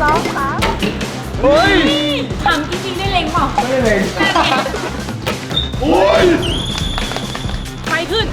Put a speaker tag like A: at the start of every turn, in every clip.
A: 3เฮ้ยถามจริงๆได้เล็งเปล่าไม่ได้เล็งโอ้ยไฟขึ้น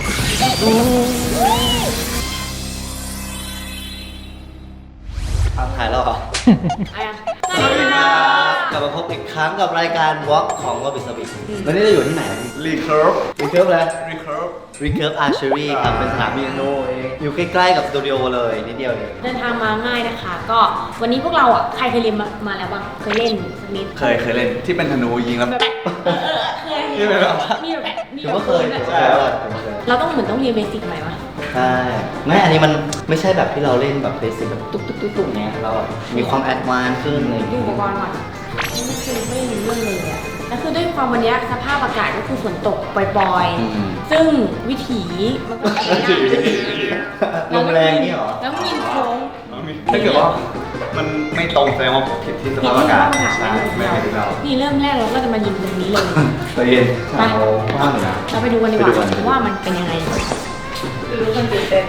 B: ถ่ายแล้วเหรอ
A: อะไรอ่ะ
B: สวัสดีครับกลับมาพบอีกครั้งกับรายการ Walk ของวอบิสบิวันนี้เราอยู่ที่ไหน
C: Recurve
B: รีเคิร์ฟเลย
C: Recurve
B: Recurve Archery ครับเป็นสนามบินโนเองอยู่ใกล้ๆกับสตูดิโอเลยนิดเดียวเอง
A: เดินทางมาง่ายนะคะ ก็วันนี้พวกเราอ่ะใครเคยเรียนมาแล้วบ้างเคยเล่นสักนิด
C: เคยเล่นที่เป็นธนูยิงแล้ว
A: แบบเคย
C: นี่เป็นแบบว่า
A: มีแบบมี
B: ถือ
A: แบบ
B: ว่าเคย
A: แบบ
B: ใช่แล้วอะ
A: เราต้องเหมือนต้องเรียนเบสิกใหม่ปะ
B: ใช่ไม่อันนี้มันไม่ใช่แบบที่เราเล่นแบบเบสิกแบบตุ๊กๆๆเนี่ยเราอะมีความแอดวานซ์ขึ้นอะไรอย่าง
A: ดู
B: เงี้
A: อุปกรณ์ก่อนนี่คือไม่รู้เรื่องเลยอ่ะแล้วคือด้วยความวันนี้สภาพอากาศก็คือฝนตกปล่อยๆซึ่งวิถีมันก็ไม่ได้
B: ลมแรงนี่เหรอ
A: แล้วมีโค้ง
C: ถ้าเกิดว่ามันไม่ตรงแสดงว่าผิดที่สภาพอากาศใช่ไม่ผิดเรา
A: นี่เริ่มแรกเราก็จะมายิงตรงนี้เลย
B: ตัวเย็น
A: ไป
B: เราว่างนะ
A: เราไปดูกันดีก
B: ไปดูกั
A: ว่าน ว่ามันเป็นยังไงดูคนตื่นเต้น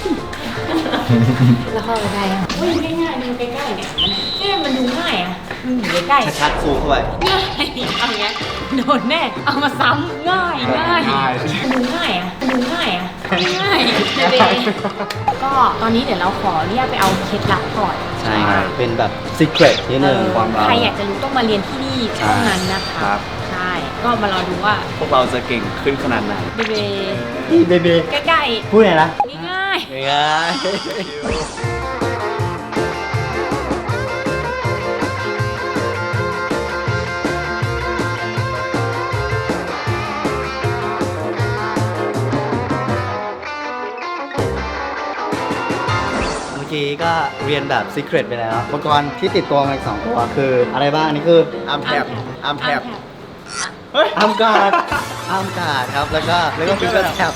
A: แล้วเข้าไปได้อ่ะเฮ้ยง่ายๆดูใกล้ๆเนี่ยมันดูง่ายอ่ะมันอยู่ใกล้ๆ
B: ชัดๆซูมเข้าไป
A: ง่ายเอาอย่างเงี้ยโดนแน่เอามาซ้ำง่ายมันดูง่ายอ่ะมันดูง่ายอ่ะง่ายเด็ก็ตอนนี้เดี๋ยวเราขอเรียกไปเอาเคล็ดลับก่อน
B: ใช่เป็นแบบ secret นิดนึง
A: ใครอยากจะรู้ต้องมาเรียนที่นี่เท่านั้นนะคะ
C: ครับ
A: ใช่ก็มารอดูว่า
C: พวกเราจะเก่งขึ้นขนาดไหน
A: เบเบ
B: นี่เบบี
A: ใกล้
B: พูดไงนะ
A: ๆง่าย
B: ง่าย เมื่อกี้ก็เรียนแบบ secret ไปแล้วอุปกรณ์ที่ติดตัวมาอีก2ตัวคืออะไรบ้างอันนี่คือ
C: อาร์มแทบอาร์มแทบ
B: อัมการ์ดครับแล้วก็ฟิกเกอร์แท็บ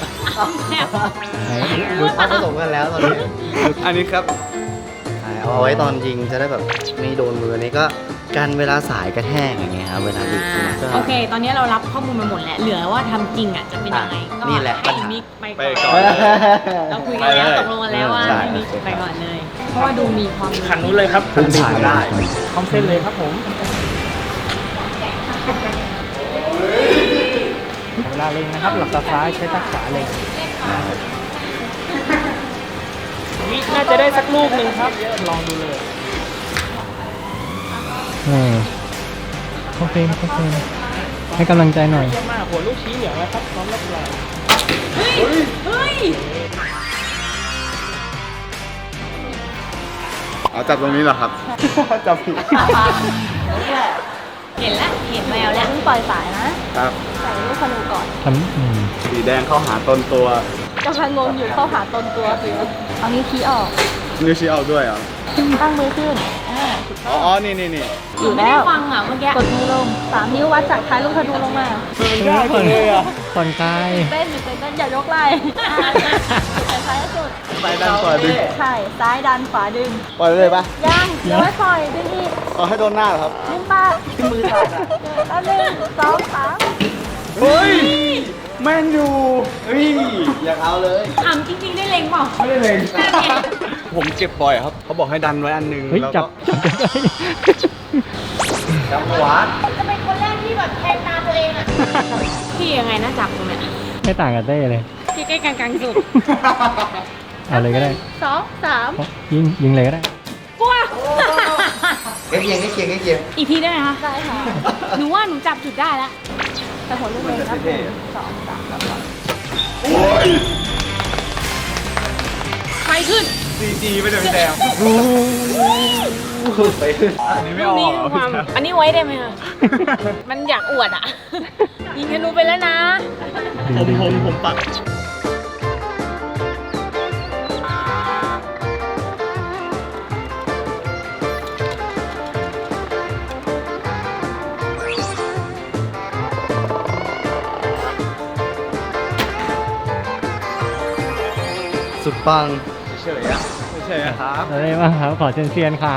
B: ดูภาพผสมกันแล้วตอนนี้
C: อันนี้ครับ
B: เอาไว้ตอนยิงจะได้แบบไม่โดนมือนี่ก็กันเวลาสายกระแทกอย่างเงี้ยครับเวลายิงก็
A: โอเค ตอนนี้เรารับข้อมูลมาหมดแล้วเหลือว่าทำจริงอ่ะจะเป็นยังไงก็
B: นี่แหละปั
A: ให้
B: ญหา
A: มิกไป
C: ไป
A: ก่
C: ก่
A: อ
C: อน น
A: เราคุยกันแล้ว
C: ไปเลย
A: ตกลงกันแล้วว่า
B: ใช่
A: ให้มิกไปก่อนเลย เพราะว่าดูมีความรู้
D: คันนู้นเลยครับ
B: ขึ้นสายได้
D: คอมเส้นเลยครับผมเวลาเล็งนะครับ หลับตาซ้ายใช้ตาขวาเล็งวิน่าจะได้สักลูกหนึ่งครับ ลองดูเลยโอเคให้กำลังใจหน่อยเยี่ยมมากหัวลูกชี้เหลืองแล้วครับพร้อมรับรอง
A: เฮ้ย
C: เอาจับตรงนี้เหรอครับ จับผิด
A: เห็นแล้วเห็นแววแล้ว
E: ปล่อยสายนะครับ ใส่ลูกธนูก่อน
C: สีแดงเข้าหาต้นตัว
E: กำลังงงอยู่เข้าหาตนตัวคือเอานิ้วชี้ออก
C: นิ้วชี้เอาด้วยเหรอ
E: ตั้งมือขึ้น
C: อ๋อ นี่
A: หนูไม่ได้ฟังอ่ะเมื่อกี้
E: กดมือลง3 นิ้ววัดจากท้ายลูกธนูลงมา
D: ง่ายเลยอ่ะผ่อนคลาย
E: เต้นอยู่เต้นอย่ายกไหล่ซ้ายสุด
C: ไปด้านขวาดึง
E: ใช่ ซ้ายดันขวาดึง
C: ปล่อยไปเลยปะ
E: ยังเดี๋ยวไม่ปล่อยดึงอีก
C: เอาให้โดนหน้าเหรอครับ
E: ดึงปากมือสั่นแล้ว1 2 3
C: เฮ้ย แม่นอยู่เฮ้ย อยากเอาเลย
A: ถามจริงๆได้เล็งเปล่า
C: ไม่ได้เลยผมเก็บบ่อยครับ เขาบอกให้ดันไว้อันหนึง
D: เฮ้ย
C: แล้ว
D: จั
C: ก็
D: บได้
B: จับขวา
E: จะเป็นคนแรกที่แบบแทงตาตัวเองอ่ะ
A: พี่ยังไงนะจับตรงเนี้ย
D: ไม่ต่างกับเต้เลย
A: พี่ใกล้กลางๆสุด
D: เอาเลยก็ได้
E: 2 3
D: ยิงเลยก็ได้
A: กลัว
B: ใกล้เคียง
A: อีกทีได้ไหมคะ
E: ได้ค่ะ
A: หนูว่าหนูจับจุดได้แล้ว
E: แต่หัวลูกเองนับ1 2 3ครับ
A: ไฟขึ้น
C: CG ไม่ได้พี่แดง
B: ไปขึ้น
C: อันนี้ไม่
A: ลู
C: อก อก
A: นี้ความอันนี้ไว้ได้ไหมคะ มันอยากอวดอ่ะ ยิงธนูไปแล้วนะ
C: ผมปัก
B: สุดปัง
C: เฉยๆอ่ะไม่ใช่อะครับ
D: อะไรบ้างครับ ขอเซียนๆครับ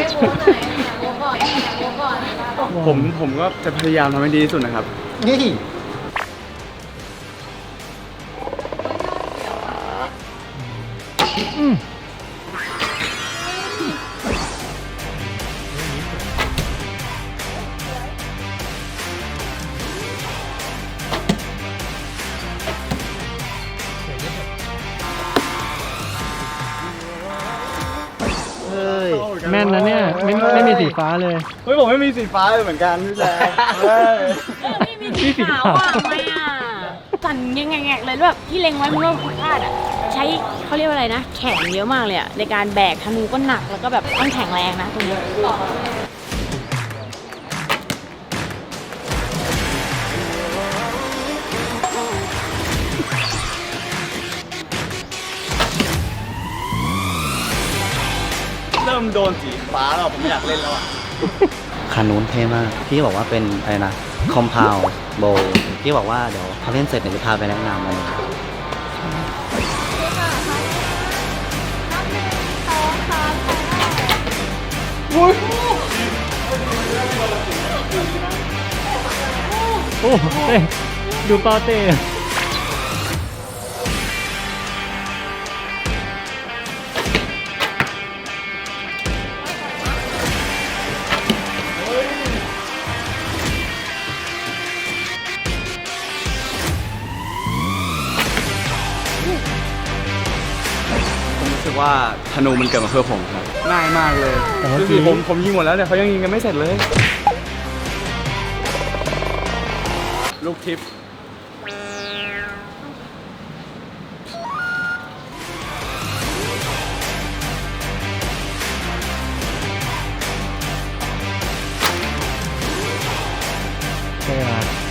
C: ผมก็จะพยายามทำให้ดีที่สุดนะครับ
B: นี่เฮ้ย
D: แม่นนะเนี่ยไม่มีสีฟ้าเลย
C: เฮ้ยผมไม่มีสีฟ้าเลยเหมือนกันพี่แจ๊คเฮ้ย
A: ไม่มีสีขาวอ่ะไม่อ่ะสั่นแงกๆเลยแบบที่เล็งไว้มันว่าพลาดอ่ะใช้เขาเรียกว่าอะไรนะแข็งเยอะมากเลยอ่ะในการแบกธนูก็หนักแล้วก็แบบต้องแข็งแรงนะตรงนี้
C: เริ่มโดนสีฟ้าแล้วผมไม่อยากเล่นแล้วอ่ะ
B: คันนู้นเท่มากพี่บอกว่าเป็นอะไรนะคอมเพลโบพี่บอกว่าเดี๋ยวพอเล่นเสร็จเดี๋ยวจะพาไปแนะนำมัน
D: โอ้เต้ดูเปาเต้
C: ผมรู้สึกว่าธนูมันเกิดมาเพื่อผมครับง่ายมากเลยดูสิผมยิงหมดแล้วเนี่ยเขายังยิงกันไม่เสร็จเลย ลูกทิพย์
D: ใช่ไหม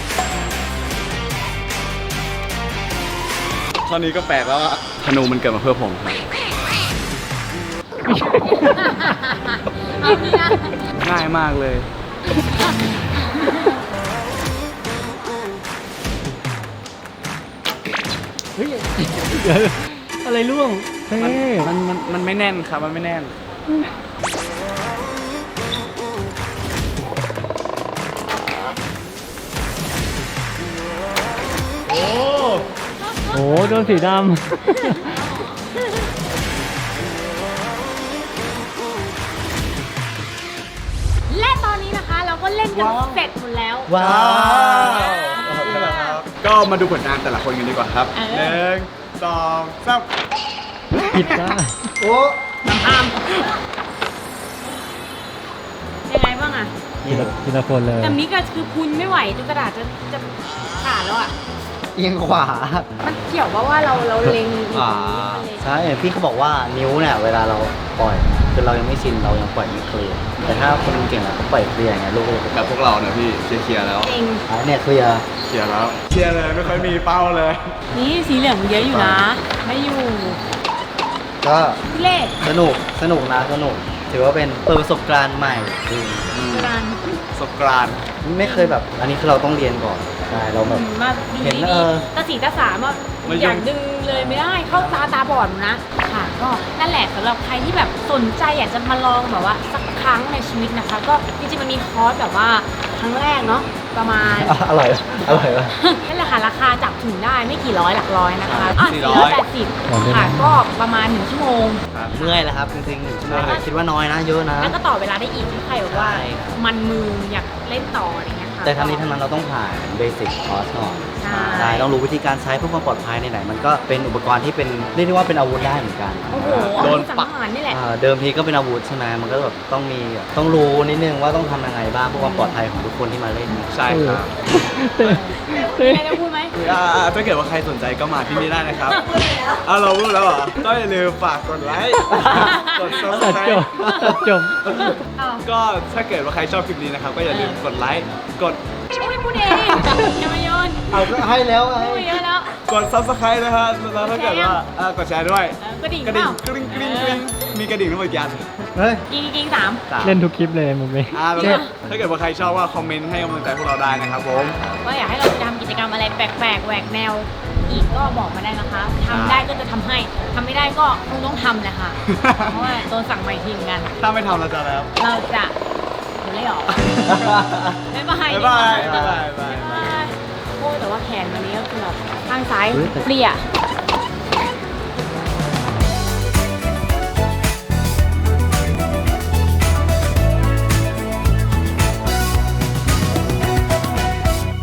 C: ตอนนี้ก็แปลกแล้วอะธนูมันเกิดมาเพื่อผมครับ
A: เอานี่นะ
C: ง่ายมากเลย
D: เฮ้ยเดี๋ยวอะไรร่วงเต้
C: มันไม่แน่นครับมันไม่แน่น
D: โอ้โดนสีดำ
A: และตอนนี้นะคะเราก็เล่นกันเสร็จหมดแล้ว
B: ว้าว
C: ก็มาดูผลงานแต่ละคนกันดีกว่าครับ
A: เออ
C: 1 2 3
D: ผิดจ้า
B: โอ้
A: ยังไงบ้างอะ
D: ทีละคนเลย
A: แต่มิกอะคือพุนไม่ไหวจนกระดาษจะขาดแล้วอะ
B: เอียงขวา
A: มันเกี่ยวว่าเราเล็งอยู่ตรงนี้มันเลย
B: ใช่พี่เขาบอกว่านิ้วเนี่ยเวลาเราปล่อยคือเรายังไม่ชินเรายังปล่อยไม่เคลียร์แต่ถ้าคนเก่งแล้วเขาปล่อยเคลียร์อย่างเงี้ยลูก
C: แบบพวกเราเนี่ยพี่เคลียร์แล้ว
A: จริง
B: เนี่ยเคลียร์
C: เคลียร์แล้วเคลียร์เลยไม่ค่อยมีเป้าเลย
A: นี่สีเหลืองเยอะอยู่นะ ไม่อยู่
B: ก็
A: พี่เล่
B: สนุกนะสนุกถือว่าเป็นเปิดประสบการณ์ใหม่จริง
A: การ
C: สกรานต์
B: ไม่เคยแบบ อันนี้คือเราต้องเรียนก่อนใช่เราแบบ
A: มาดู
B: เห็น
A: ดี
B: เออ
A: ๆตาสีตาสามอะอยากดึงเลยไม่ได้เข้าตาบอดนะค่ะก็นั่นแหละสำหรับใครที่แบบสนใจอยากจะมาลองแบบว่าสักครั้งในชีวิตนะคะ ก็จริงๆมันมีคอร์สแบบว่าครั้งแรกเนาะประมาณ
B: อร่อยปะ
A: นั่นแหละค่ะราคาจับถึงได้ไม่กี่ร้อยหลักร้อยนะคะ480
D: อ๋อ
A: ค่ะก็ประมาณ1ชั่วโมง
B: เมื่อยแล้วครับจริงๆ1ชั่วโมงคิดว่าน้อยนะเยอะนะ
A: แล้วก็ต่อเวลาได้อีกถ้าใครแบบว่า
B: ใช่ครับ
A: มันมืออยากเล่นต่ออะไรเงี้ยค่ะ
B: แต่ทั้งนี้ทั้งนั้นเราต้องผ่านเบสิกคอร์สก่อน
A: ใช่
B: ต้องรู้วิธีการใช้เพื่อความปลอดภัยในไหนๆมันก็เป็นอุปกรณ์ที่เป็นเรียกได้ว่าเป็นอาวุธได้เหมือนกัน
A: โอ้โห
C: โดน
A: สัง
C: ปัก
A: หารนี่แหละ
B: เดิมทีก็เป็นอาวุธใช่ไหมมันก็แบบต้องมีต้องรู้นิดนึงว่าต้องทำยังไงบ้างเพื่อความปลอดภัยของทุกคนที่มาเล่นนะ
C: ใช่ครับ
D: เต้
A: มีอะไรจะพูดไหม
C: ถ้าเกิดว่าใครสนใจก็มาที่นี่ได้นะครับเราพูดแล้วเหรอก็อย่าลืมฝากกดไลค์กด
D: ตัดจบ
C: subscribe
D: ตัดจบ
A: อ้าว
C: ก็ถ้าเกิดว่าใครชอบคลิปนี้นะครับก็อย่าลืมกดไลค์กด
A: ไม่พูดเองอย่ามาโยน
B: เอาก็ให้แล้วไง
A: พูดเยอะแล้ว
C: กด subscribe นะฮะแล้วถ้าเกิดว่ากดแชร์ด้วย
A: กระดิ่ง
C: กระดิ่ง
A: เป
C: ก
A: ล่า
C: ริ๊งกริ๊งกริ๊งมีกระดิ่งทั้งหมดกี่อัน
B: เฮ้ย
A: กิงสาม
D: เล่นทุกคลิปเลยมุกนี้
C: แล้วก็ถ้าเกิดว่าใครชอบว่าคอมเมนต์ให้กำลังใจพวกเราได้นะครับผม
A: ว่าอยากให้เราทำกิจกรรมอะไรแปลกๆแหวกแนวอีกก็บอกมาได้นะคะทำได้ก็จะทำให้ทำไม่ได้ก็คงต้องทำแหละค่ะ เพราะว่าโดนสั่งมาอีกทีเหมือนกัน
C: ถ้าไม่ทำเราจะแล้ว
A: เราจะเดี๋ยวไล่ออกบ๊ายบาย
C: บ๊ายบาย
A: ดีกว่
C: บ๊ายบาย
A: บ๊ายบายโอ้แต่ว่าแขนวันนี้ก็คือแบบข้างซ้ายเปลี่ย